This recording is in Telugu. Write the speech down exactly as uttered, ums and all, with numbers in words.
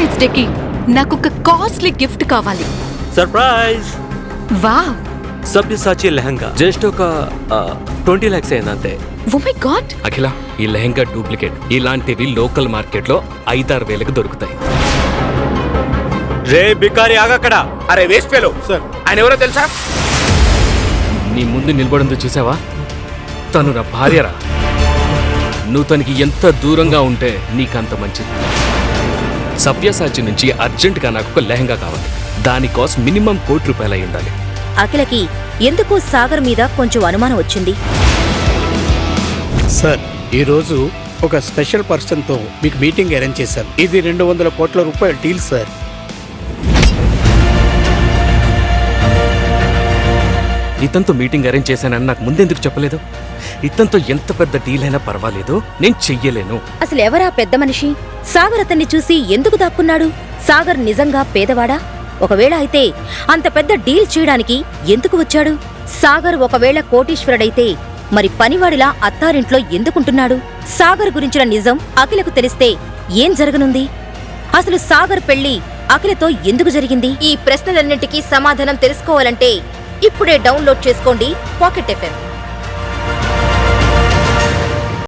ఉమెన్స్ డేకి నాకు ఒక కాస్ట్లీ గిఫ్ట్ కావాలి. Surprise! Wow! Sabyasachi lehenga just ఒక ట్వంటీ లాక్స్ అయిందంతే. Oh my god! అఖిల, ఈ లెహంగా డూప్లికేట్. ఇలాంటివి లోకల్ మార్కెట్ లో ఐదారు వేలకు దొరుకుతాయి. రే బికారి ఆగక్కడ. అరే వేస్ట్ ఫెలో సార్, ఆయన ఎవరో తెలుసా? నీ ముందు నిలబడిందో చూసావా? తను నా భార్యరా. నువ్వు తనకి ఎంత దూరంగా ఉంటే నీకంత మంచిది. సవ్యసాచి నుంచి అర్జెంటుగా నాకు ఒక లెహంగా కావాలి. దాని కాస్ట్ మినిమం కోటి రూపాయలు అయి ఉండాలి. అఖిలకి ఎందుకు సాగర్ మీద కొంచెం అనుమానం వచ్చింది. సార్, ఈరోజు ఒక స్పెషల్ పర్సన్తో మీకు మీటింగ్ అరేంజ్ చేశాను. ఇది రెండు వందల కోట్ల రూపాయల డీల్ సార్. ఇతనితో మీటింగ్ అరేంజ్ చేశానని నాకు ముందెందుకు చెప్పలేదు? ఇతనితో ఎంత పెద్ద డీల్ అయినా పర్వాలేదు, నేను చెయ్యలేను. అసలు ఎవరా పెద్ద మనిషి? సాగర్ అతన్ని చూసి ఎందుకు దాక్కున్నాడు? సాగర్ నిజంగా పేదవాడా? ఒకవేళ అయితే అంత పెద్ద డీల్ చేయడానికి ఎందుకు వచ్చాడు? సాగర్ ఒకవేళ కోటీశ్వరుడైతే మరి పనివాడిలా అత్తారింట్లో ఎందుకుంటున్నాడు? సాగర్ గురించిన నిజం అఖిలకు తెలిస్తే ఏం జరగనుంది? అసలు సాగర్ పెళ్లి అఖిలతో ఎందుకు జరిగింది? ఈ ప్రశ్నలన్నింటికీ సమాధానం తెలుసుకోవాలంటే ఇప్పుడే డౌన్లోడ్ చేసుకోండి పాకెట్ ఎఫ్ఎం.